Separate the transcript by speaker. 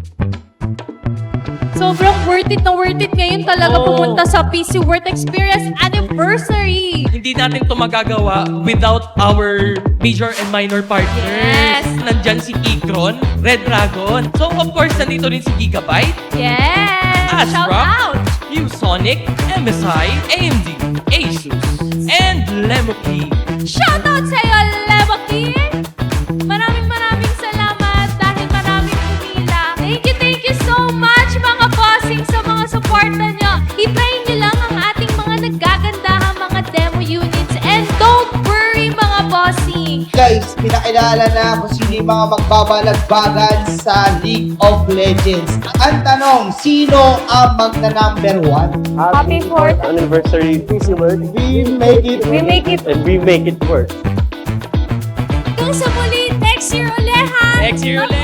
Speaker 1: Sobrang worth it ngayon talaga pumunta sa PC Worth Experience Anniversary.
Speaker 2: Hindi natin ito magagawa without our major and minor partners.
Speaker 1: Yes.
Speaker 2: Nandyan si Kikron, Red Dragon. So of course, nandito rin si Gigabyte,
Speaker 1: Yes! Shout
Speaker 2: Asrock,
Speaker 1: out!
Speaker 2: ViewSonic, MSI, AMD, Asus, and Lemoki.
Speaker 1: Shout out sa iyo, Lemoki! Maraming salamat dahil maraming pumila. Thank you so much mga bossing sa mga suporta nyo. I-try nyo lang ang ating mga naggagandahang mga demo units. And don't worry mga bossing.
Speaker 3: Guys, pinakilala na kung sino yung mga magbabalagbagan sa League of Legends. Ang tanong, sino ang magna-number 1?
Speaker 1: Happy 4th
Speaker 4: anniversary PC World.
Speaker 3: We make it.
Speaker 1: We make it.
Speaker 4: And we make it work.
Speaker 1: Hanggang sa muli, next year ulit ha!
Speaker 2: Next year ulit!